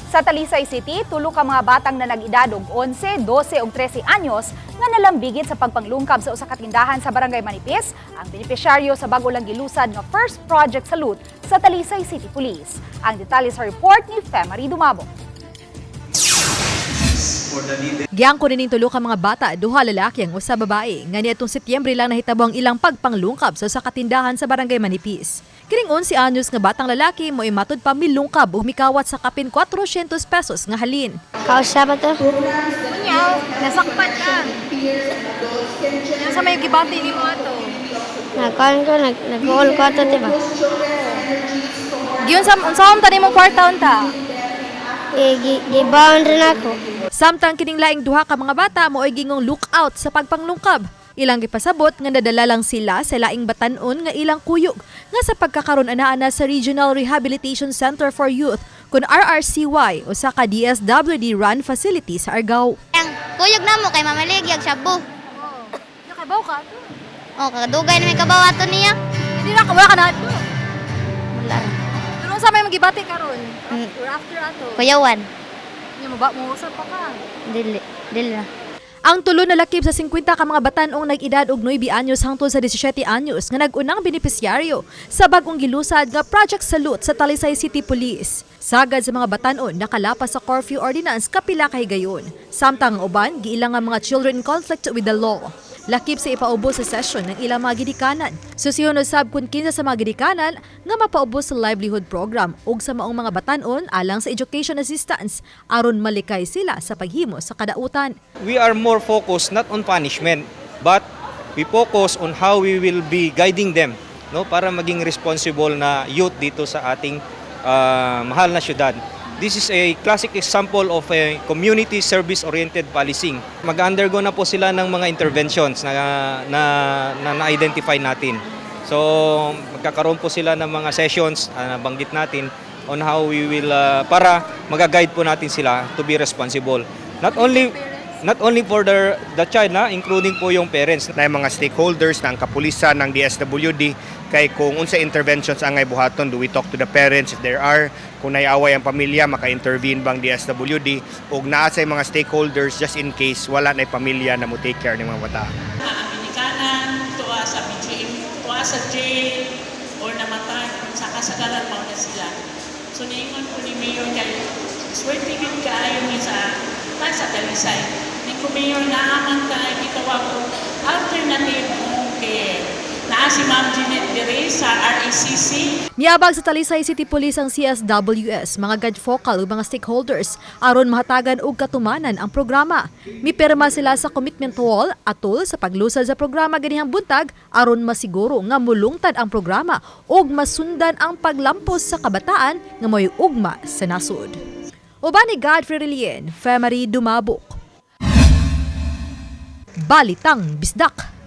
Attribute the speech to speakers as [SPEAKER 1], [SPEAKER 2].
[SPEAKER 1] Sa Talisay City, tulo ka mga batang na nag-edad og 11, 12 ug 13 anyos nga nalambigit sa pagpanglungkab sa usa ka tindahan sa Barangay Manipis, ang benepisyaryo sa bago lang gilusad nga first project salute sa Talisay City Police. Ang detalye sa report ni Femari Dumabo.
[SPEAKER 2] Giangko ning tulo ka mga bata, duha lalaki ang usa babae. Nga niadtong Setyembre lang nahitabo ang ilang pagpanglungkab sa usa ka tindahan sa Barangay Manipis. Kining 11 anyos nga batang lalaki mo matud pa milungkab ug mikawat sa kapin 400 pesos nga halin.
[SPEAKER 3] Kausa ba to?
[SPEAKER 2] Kunyaw, nasakpan ka. Sa may gibati ni mo ato.
[SPEAKER 3] Nagkuhan ko, nag-uol ko ito, diba?
[SPEAKER 2] Giyon unsahon ta nimo kwarta unta?
[SPEAKER 3] Gibaon rin ako.
[SPEAKER 2] Samtang kining laing duha ka mga bata mo ay gingong lookout sa pagpanglungkab. Ilang gipasabot nga nadala lang sila sa laing batan-on nga ilang kuyog nga sa pagkakaron ana sa Regional Rehabilitation Center for Youth kun RRCY o sa ka DSWD run facility sa Argao.
[SPEAKER 3] Ang kuyog na mo kay mamaligyag shabu.
[SPEAKER 2] Nakabaw ka?
[SPEAKER 3] O, kakadugay na may kabaw ato niya.
[SPEAKER 2] Hindi na wala ka na ato.
[SPEAKER 3] Wala.
[SPEAKER 2] Pero sa may magibati karon after ato.
[SPEAKER 3] Kuyawan.
[SPEAKER 2] Nya mo usap pa ka.
[SPEAKER 3] Dili na.
[SPEAKER 2] Ang tulo na lakip sa 50 ka mga batanong nag-edad og 9 anyos hangtod sa 17 anyos nga nag-unang benepisyaryo sa bagong gilusad nga Project Salute sa Talisay City Police. Sagad sa mga batanon nakalapas sa curfew ordinance kapila ka higayon. Samtang ang uban giilang nga mga children in conflict with the law. Lakip sa ipaubos sa session ng ilang mga gidikanan. Susunod sab kun kinsa sa mga gidikanan nga mapaubos sa livelihood program ug sa maong mga batanon alang sa education assistance aron malikay sila sa paghimo sa kadautan.
[SPEAKER 4] We are more focused not on punishment but we focus on how we will be guiding them, no, para maging responsible na youth dito sa ating mahal na syudad. This is a classic example of a community service-oriented policing. Mag-undergo na po sila ng mga interventions na identify natin. So, magkakaroon po sila ng mga sessions na banggit natin on how we will, para mag-guide po natin sila to be responsible. Not only for the child, including po yung parents.
[SPEAKER 5] Na yung mga stakeholders ng kapulisan ng DSWD kay kung unsa interventions angay buhaton, do we talk to the parents if there are, kung naiaway ang pamilya maka-intervene bang DSWD ug naa sa mga stakeholders just in case wala na pamilya na mo take care ng mga bata.
[SPEAKER 6] Amerikanan, tuwa sa BGM, tuwa sa jail or namatay sa kasagaran mo na sila. So niingon ko ni Mayor kay swerte gid kaayo ni sa Talisay. Ni ko Mayor naaman tayo gitawag ko alternative home care. Naa si Ma'am Jeanette Dire sa RECC.
[SPEAKER 2] Miabag sa Talisay City Police ang CSWS, mga guide focal ug mga stakeholders aron mahatagan og katumanan ang programa. Mipirma sila sa commitment wall atol sa paglusad sa programa ganihang buntag aron masiguro nga mulungtad ang programa ug masundan ang paglampos sa kabataan nga moy ugma sa nasud. Uban ni Godfrey Relien, Femari Dumabok. Balitang Bisdak.